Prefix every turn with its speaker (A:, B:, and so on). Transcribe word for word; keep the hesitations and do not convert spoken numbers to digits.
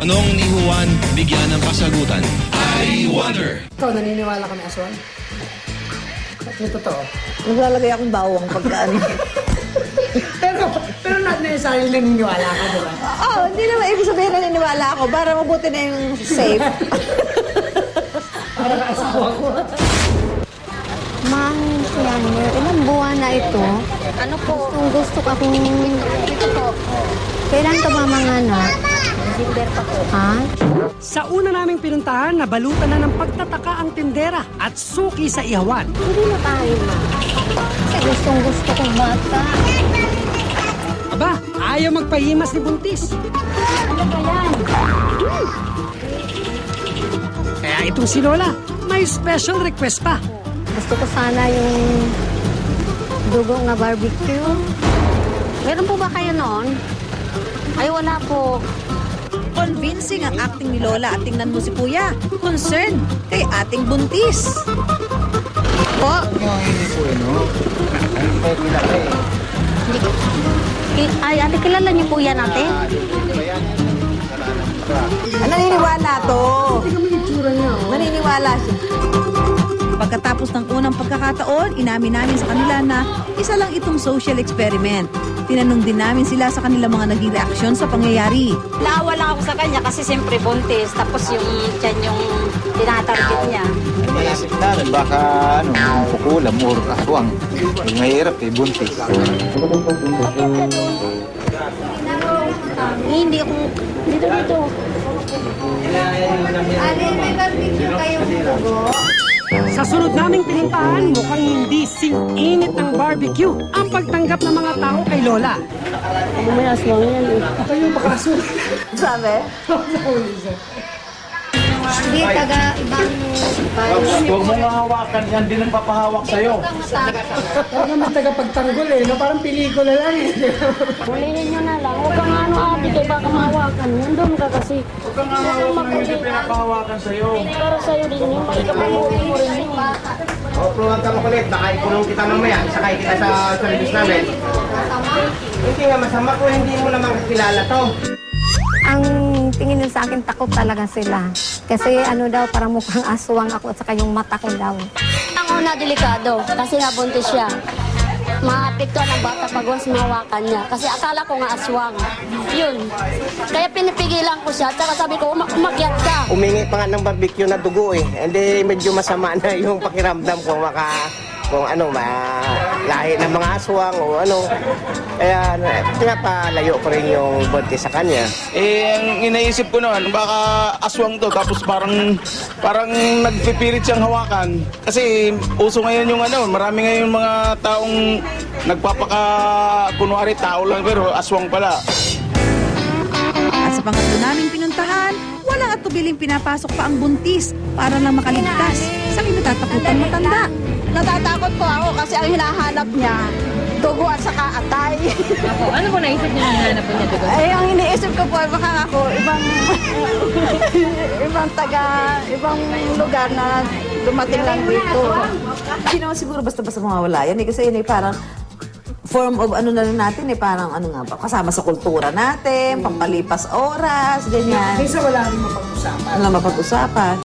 A: Tanong ni Juan, bigyan ng kasagutan. I wonder.
B: Ikaw, naniniwala ka may aswang? Ito totoo.
C: Naglalagay akong bawang pagkaan.
B: pero, pero not necessarily naniniwala ka, di ba?
C: Oo, oh, hindi naman ibig sabihin naniniwala ako para mabuti na yung safe.
B: Para asawa ko.
D: Ma'am Siander, ilang buwan na ito? Ano po? Gustong gusto ko akong... Ito po. Kailan ka ba manganak? December pa po. Ha?
E: Sa una naming pinuntahan, nabalutan na ng pagtataka ang tindera at suki sa ihawan.
D: Hindi na tayo, ma'am. Kasi gustong gusto kong bata.
E: Aba, ayaw magpahimas ni Buntis.
D: Ano ba yan?
E: Kaya itong si Lola, may special request pa.
D: Gusto ko sana yung dugo nga barbecue. Meron po ba kayo noon? Ay, wala po.
C: Convincing ang acting ni Lola at tingnan mo si Kuya. Concern kay ating buntis. Po?
D: Ki- Ay, ate, kilala niyo po yan, ate?
C: Ah, naniniwala to. Naniniwala siya. Pagkatapos ng unang pagkakataon, inamin namin sa kanila na isa lang itong social experiment. Tinanong din namin sila sa kanilang mga naging reaksyon sa pangyayari.
D: Naawa lang ako sa kanya kasi siyempre buntis. Tapos yung tiyan yung tinatarget niya.
F: Naisip namin baka ano, pukulam or aswang. Yung mahirap eh, buntis.
D: Hindi ako... Dito, dito. Alin, may barbecue kayong dugo?
E: Sa sunod naming pinuntahan, mukhang hindi sing-init ng barbecue ang pagtanggap ng mga tao kay Lola.
D: Ano may aswang yan eh.
B: Ito yung makaso.
C: Sabi?
D: Hindi, taga ibang
F: Huwag mong hawakan yan, di nang papahawak sa'yo.
B: Parang naman tagapagtanggol eh, no? Parang pelikula lang eh.
D: Hulihin nyo na lang. Huwag kang ano ate, kaya baka mahawakan. Nandun ka kasi.
F: Huwag kang hawakan ng hindi pinapahawakan sa'yo.
D: Para sa'yo din yun. Ikapamuhin mo rin yun.
G: O, pruwan ka makulit. Baka ikulong kita mamaya. Isakay kita sa service namin. Hindi nga masama kung hindi mo naman kilala to.
D: Ang tingin nila sa akin, takot talaga sila. Kasi ano daw, parang mukhang aswang ako at saka yung mata ko daw. Ang una, delikado. Kasi nga buntis siya. Maapektuhan ang bata pag once mahawakan niya. Kasi akala ko nga aswang. Yun. Kaya pinipigilan ko siya. Tsaka sabi ko, "Uma- umakyat ka."
G: Umingi pa nga ng barbecue na dugo eh. Hindi medyo masama na yung pakiramdam kung maka... kung ano, ma, lahi ng mga aswang o ano. Kaya pinapalayo ko rin yung buntis sa kanya.
H: Eh, ang inaisip ko noon, baka aswang to, tapos parang parang nagpipilit siyang hawakan. Kasi uso ngayon yung ano, marami ngayon mga taong nagpapaka, kunwari tao lang pero aswang pala.
C: At sa pangatlo naming pinuntahan, walang atubiling pinapasok pa ang buntis para lang makaligtas sa kinatatakutan matanda.
I: Natatakot po ako kasi ang hinahanap niya, dugo at saka atay.
J: Ako, ano po naisip niyo nang hinahanap po niya dugo?
I: Ay, ang iniisip ko po, baka ako, ibang, ibang taga, ibang lugar na dumating lang dito.
C: Hindi naman siguro basta-basta mawawala yan eh, kasi yun eh parang form of ano na rin natin eh, parang ano nga ba, kasama sa kultura natin, pampalipas oras, ganyan.
B: Kaysa wala rin mapag-usapan.
C: Wala mapag-usapan.